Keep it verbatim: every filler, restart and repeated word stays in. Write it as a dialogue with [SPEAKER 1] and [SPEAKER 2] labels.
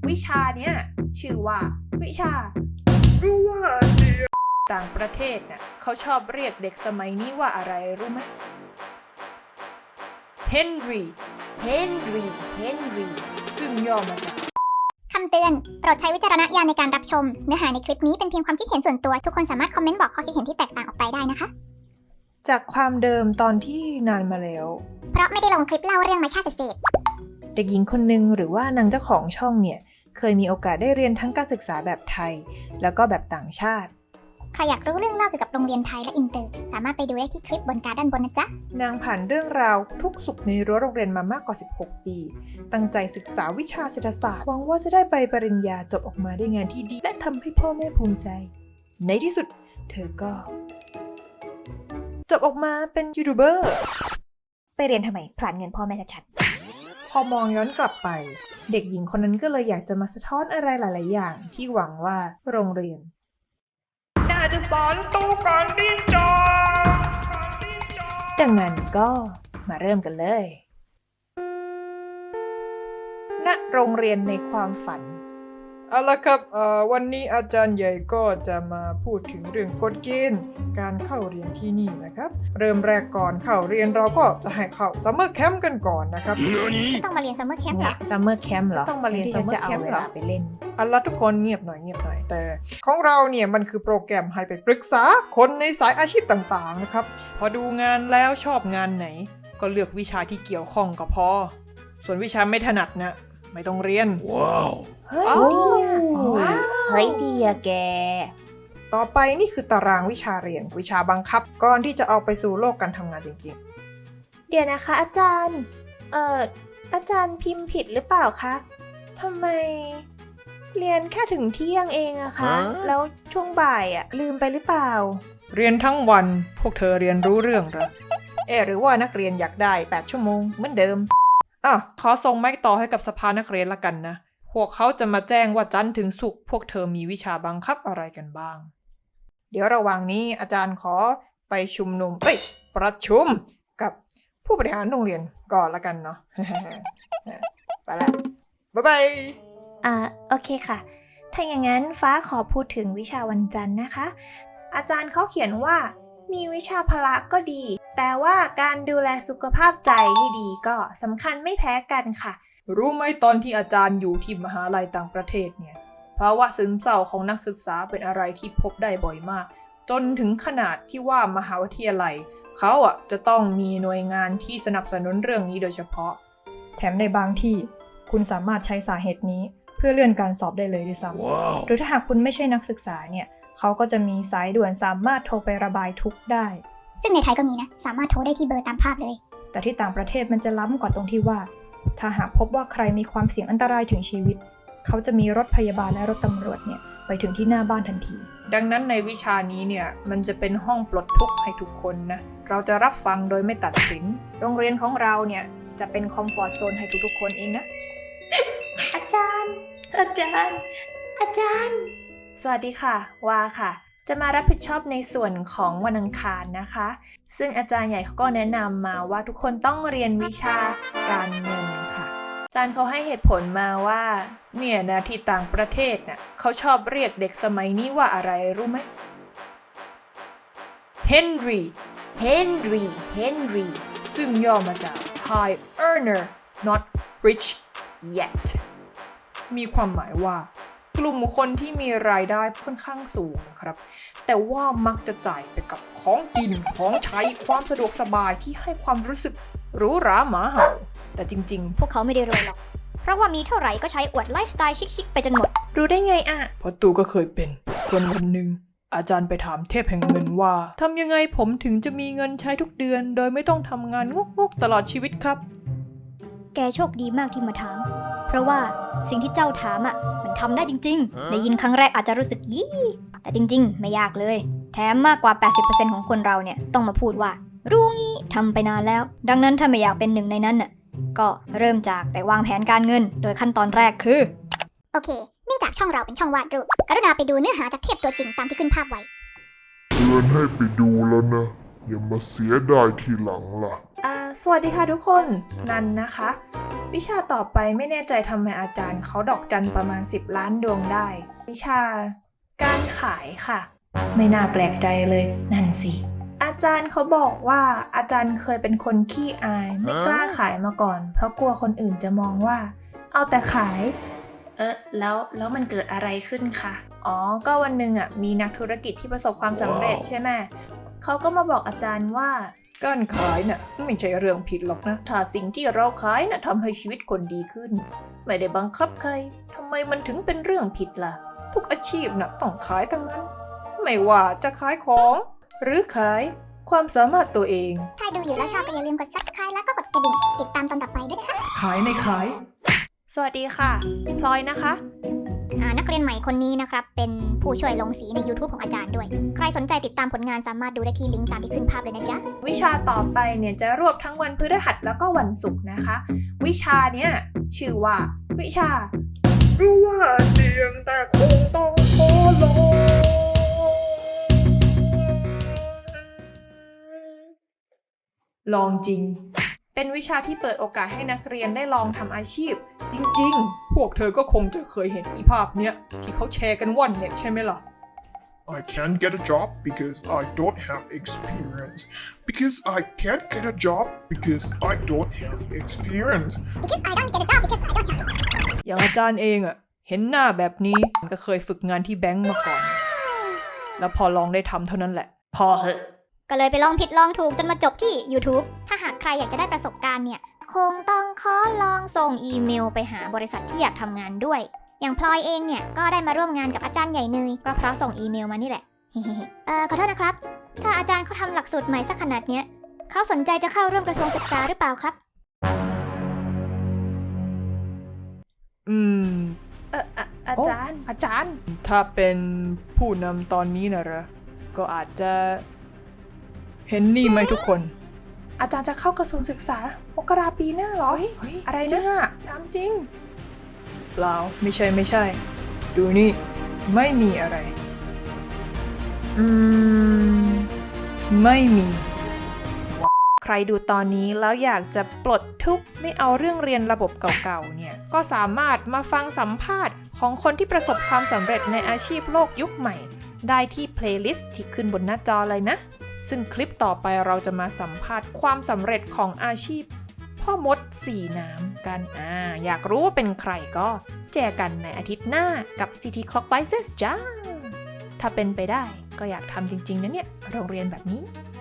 [SPEAKER 1] วิชาเนี้ยชื่อว่าวิชาต่างประเทศน่ะเขาชอบเรียกเด็กสมัยนี้ว่าอะไรรู้ไหมเฮนรี่เฮนรี่เฮนรี่ซึ่งย่อมาจาก
[SPEAKER 2] คำเตือนโปรดใช้วิจารณญาณในการรับชมเนื้อหาในคลิปนี้เป็นเพียงความคิดเห็นส่วนตัวทุกคนสามารถคอมเมนต์บอกข้อคิดเห็นที่แตกต่างออกไปได้นะคะ
[SPEAKER 1] จากความเดิมตอนที่นานมาแล้ว
[SPEAKER 2] เพราะไม่ได้ลงคลิปเล่าเรื่องมาชาติเศษ
[SPEAKER 1] เด็กหญิงคนหนึ่งหรือว่านางเจ้าของช่องเนี่ยเคยมีโอกาสได้เรียนทั้งการศึกษาแบบไทยแล้วก็แบบต่างชาติ
[SPEAKER 2] ใครอยากรู้เรื่องเล่าเกี่ยวกับโรงเรียนไทยและอินเตอร์สามารถไปดูได้ที่คลิปบนการ์ดด้านบนนะจ๊ะ
[SPEAKER 1] นางผ่านเรื่องราวทุกสุขในรั้วโรงเรียนมามากกว่าสิบหกปีตั้งใจศึกษาวิชาเศรษฐศาสตร์หวังว่าจะได้ใบปริญญาจบออกมาได้งานที่ดีและทำให้พ่อแม่ภูมิใจในที่สุดเธอก็จบออกมาเป็นยูทูบเบอร์
[SPEAKER 2] ไปเรียนทำไมผลาญเงินพ่อแม่ชัด
[SPEAKER 1] ๆพอมองย้อนกลับไปเด็กหญิงคนนั้นก็เลยอยากจะมาสะท้อนอะไรหลายๆอย่างที่หวังว่าโรงเรียนน่าจะสอนตู้ก่อนเรียนจบดังนั้นก็มาเริ่มกันเลยณโรงเรียนในความฝันเอาละครับเอ่อวันนี้อาจารย์ใหญ่ก็จะมาพูดถึงเรื่องกฎเกณฑ์การเข้าเรียนที่นี่นะครับเริ่มแรกก่อนเข้าเรียนเราก็จะให้เข้าซัมเมอร์แคมป์กันก่อนนะครับ
[SPEAKER 2] ต้องมาเรียนซัมเมอร์แคมป์เหรอ
[SPEAKER 1] ซัมเมอร์แคมป์เหรอต้องมาเรียนซัมเมอร์แคมป์เหรอไปเล่นเอาละทุกคนเงียบหน่อยเงียบหน่อยแต่ของเราเนี่ยมันคือโปรแกรมให้ไปปรึกษาคนในสายอาชีพต่างๆนะครับพอดูงานแล้วชอบงานไหนก็เลือกวิชาที่เกี่ยวข้องก็พอส่วนวิชาไม่ถนัดนะไม่ต้องเรียนว้าวเฮ้ยเฮ้ยดีอะแกต่อไปนี่คือตารางวิชาเรียนวิชาบังคับก่อนที่จะเอาไปสู่โลกการทำงานจริงๆเดี๋ยวนะคะอาจารย์เอ่ออาจารย์พิมพ์ผิดหรือเปล่าคะทำไมเรียนแค่ถึงเที่ยงเองอะคะแล้วช่วงบ่ายอะลืมไปหรือเปล่าเรียนทั้งวันพวกเธอเรียนรู้เรื่องเหรอเอ๊ะหรือว่านักเรียนอยากได้แปดชั่วโมงเหมือนเดิมอ่ะขอส่งไม้ต่อให้กับสภานักเรียนละกันนะพวกเขาจะมาแจ้งว่าจันทร์ถึงศุกร์พวกเธอมีวิชาบังคับอะไรกันบ้างเดี๋ยวระหว่างนี้อาจารย์ขอไปชุมนุมเอ้ยประชุมกับผู้บริหารโรงเรียนก่อนละกันเนาะ ไปละบ๊ายบายอ่าโอเคค่ะถ้าอย่างนั้นฟ้าขอพูดถึงวิชาวันจันทร์นะคะอาจารย์เขาเขียนว่ามีวิชาพละก็ดีแต่ว่าการดูแลสุขภาพใจให้ดีก็สำคัญไม่แพ้กันค่ะรู้ไหมตอนที่อาจารย์อยู่ที่มหาลัยต่างประเทศเนี่ยภาวะซึมเศร้าของนักศึกษาเป็นอะไรที่พบได้บ่อยมากจนถึงขนาดที่ว่ามหาวิทยาลัยเขาอ่ะจะต้องมีหน่วยงานที่สนับสนุนเรื่องนี้โดยเฉพาะแถมในบางที่คุณสามารถใช้สาเหตุนี้เพื่อเลื่อนการสอบได้เลยด้วยซ้ำ wow. หรือถ้าหากคุณไม่ใช่นักศึกษาเนี่ยเขาก็จะมีสายด่วนสามารถโทรไประบายทุกข์ได้
[SPEAKER 2] ซึ่งในไทยก็มีนะสามารถโทรได้ที่เบอร์ตามภาพเลย
[SPEAKER 1] แต่ที่ต่างประเทศมันจะล้ำกว่าตรงที่ว่าถ้าหากพบว่าใครมีความเสี่ยงอันตรายถึงชีวิตเขาจะมีรถพยาบาลและรถตำรวจเนี่ยไปถึงที่หน้าบ้านทันทีดังนั้นในวิชานี้เนี่ยมันจะเป็นห้องปลดทุกข์ให้ทุกคนนะเราจะรับฟังโดยไม่ตัดสินโรงเรียนของเราเนี่ยจะเป็นคอมฟอร์ตโซนให้ทุกๆคนเองนะ อาจารย์อาจารย์อาจารย์สวัสดีค่ะวาค่ะจะมารับผิดชอบในส่วนของวันอังคารนะคะซึ่งอาจารย์ใหญ่เขาก็แนะนำมาว่าทุกคนต้องเรียนวิชาการเงินค่ะอาจารย์เขาให้เหตุผลมาว่าเนี่ยนะที่ต่างประเทศน่ะเขาชอบเรียกเด็กสมัยนี้ว่าอะไรรู้ไหมเฮนรี่เฮนรี่เฮนรี่ซึ่งย่อมาจาก High Earner Not Rich Yet มีความหมายว่ากลุ่มคนที่มีรายได้ค่อนข้างสูงครับแต่ว่ามักจะจ่ายไปกับของกินของใช้ความสะดวกสบายที่ให้ความรู้สึกหรูหราหมาเห่าแต่จริง
[SPEAKER 2] ๆพวกเขาไม่ได้รวยหรอกเพราะว่ามีเท่าไหร่ก็ใช้อวดไลฟ์สไตล์ชิคๆไปจนหมด
[SPEAKER 1] รู้ได้ไงอ่ะเพราะตูก็เคยเป็นจนวันหนึ่งอาจารย์ไปถามเทพแห่งเงินว่าทำยังไงผมถึงจะมีเงินใช้ทุกเดือนโดยไม่ต้องทำงานงกๆตลอดชีวิตครับ
[SPEAKER 2] แกโชคดีมากที่มาถามเพราะว่าสิ่งที่เจ้าถามอ่ะมันทำได้จริงๆได้ยินครั้งแรกอาจจะรู้สึกยี่แต่จริงๆไม่ยากเลยแถมมากกว่า แปดสิบเปอร์เซ็นต์ ของคนเราเนี่ยต้องมาพูดว่ารู้งี้ทำไปนานแล้วดังนั้นถ้าไม่อยากเป็นหนึ่งในนั้นน่ะก็เริ่มจากไปวางแผนการเงินโดยขั้นตอนแรกคือโอเคเนื่องจากช่องเราเป็นช่องวาดรูปกรุณาไปดูเนื้อหาจากเทพตัวจริงตามที่ขึ้นภาพไว้
[SPEAKER 3] เตือนให้ไปดูแล้วนะอย่ามาเสียดายทีหลังล่ะ
[SPEAKER 1] อ่าสวัสดีค่ะทุกคนนันนะคะวิชาต่อไปไม่แน่ใจทำไมอาจารย์เขาดอกจันประมาณสิบล้านดวงได้ วิชาการขายค่ะ ไม่น่าแปลกใจเลยนั่นสิอาจารย์เขาบอกว่าอาจารย์เคยเป็นคนขี้อายไม่กล้าขายมาก่อน เพราะกลัวคนอื่นจะมองว่า เอาแต่ขาย เออแล้วแล้วมันเกิดอะไรขึ้นคะอ๋อก็วันหนึ่งอ่ะมีนักธุรกิจที่ประสบความสำเร็จใช่ไหมเขาก็มาบอกอาจารย์ว่าการขายน่ะไม่ใช่เรื่องผิดหรอกนะถ้าสิ่งที่เราขายน่ะทำให้ชีวิตคนดีขึ้นไม่ได้บังคับใครทำไมมันถึงเป็นเรื่องผิดล่ะทุกอาชีพน่ะต้องขายทั้งนั้นไม่ว่าจะขายของ หรือขายความสามารถตัวเอง
[SPEAKER 4] ถ้าดูอยู่แล้วชอบก็อย่าลืมกด subscribe แล้วก็กดกระดิ่งติดตามตอนต่อไปด้วยนะคะ
[SPEAKER 1] ขายในขาย สวัสดีค่ะพลอยนะคะ
[SPEAKER 4] อ่านักเรียนใหม่คนนี้นะครับเป็นผู้ช่วยลงสีใน YouTube ของอาจารย์ด้วย ใครสนใจติดตามผลงานสามารถดูได้ที่ลิงก์ตามที่ขึ้นภาพเลยนะจ๊ะ
[SPEAKER 1] วิชาต่อไปเนี่ยจะรวบทั้งวันพฤหัสแล้วก็วันศุกร์นะคะ วิชาเนี่ยชื่อว่า วิชา รู้ว่าเสี่ยงแต่คงต้องขอลองลองจริง เป็นวิชาที่เปิดโอกาสให้นักเรียนได้ลองทำอาชีพ จริงๆ พวกเธอก็คงจะเคยเห็นอีภาพเนี้ยที่เขาแชร์กันว่อนเน็ตใช่ไหมล่ะ
[SPEAKER 3] I can't get a job because I don't have experience. Because I can't get a job because I don't have experience.
[SPEAKER 4] because I don't get a job because I don't have
[SPEAKER 1] อย่างอาจารย์เองอะเห็นหน้าแบบนี้ก็เคยฝึกงานที่แบงก์มาก่อน แล้วพอลองได้ทำเท่านั้นแหละ พอเหอะ
[SPEAKER 4] ก็เลยไปลองผิดลองถูกจนมาจบที่ YouTube ถ้าหากใครอยากจะได้ประสบการณ์เนี่ย คงต้องขอลองส่งอีเมลไปหาบริษัทที่อยากทำงานด้วย อย่างพลอยเองเนี่ยก็ได้มาร่วมงานกับอาจารย์ใหญ่เนยก็เพราะส่งอีเมลมานี่แหละ เอ่อขอโทษนะครับ ถ้าอาจารย์เขาทำหลักสูตรใหม่สักขนาดเนี้ยเขาสนใจจะเข้าร่วมกระทรวงศึกษาหรือเปล่าครับ
[SPEAKER 1] อืม เอออะอาจารย์ อาจารย์ ถ้าเป็นผู้นำตอนนี้นะเหรอ ก็อาจจะ เห็นนี่ไหมทุกคน อาจารย์จะเข้ากระทรวงศึกษามกราปีหน้าเหรอ อะไรนะถามจริง เปล่า ไม่ใช่ไม่ใช่ ดูนี่ ไม่มีอะไร อืม ไม่มี ใครดูตอนนี้แล้วอยากจะปลดทุกข์ไม่เอาเรื่องเรียนระบบเก่าๆเนี่ย ก็สามารถมาฟังสัมภาษณ์ของคนที่ประสบความสำเร็จในอาชีพโลกยุคใหม่ ได้ที่เพลย์ลิสต์ที่ขึ้นบนหน้าจอเลยนะ ซึ่งคลิปต่อไปเราจะมาสัมภาษณ์ความสำเร็จของอาชีพ พ่อมดสีน้ำกันอ่าอยากรู้ว่าเป็นใครก็เจอกันในอาทิตย์หน้ากับ ซี ที Clockwise จ้า ถ้าเป็นไปได้ก็อยากทำจริงๆนะเนี่ยโรงเรียนแบบนี้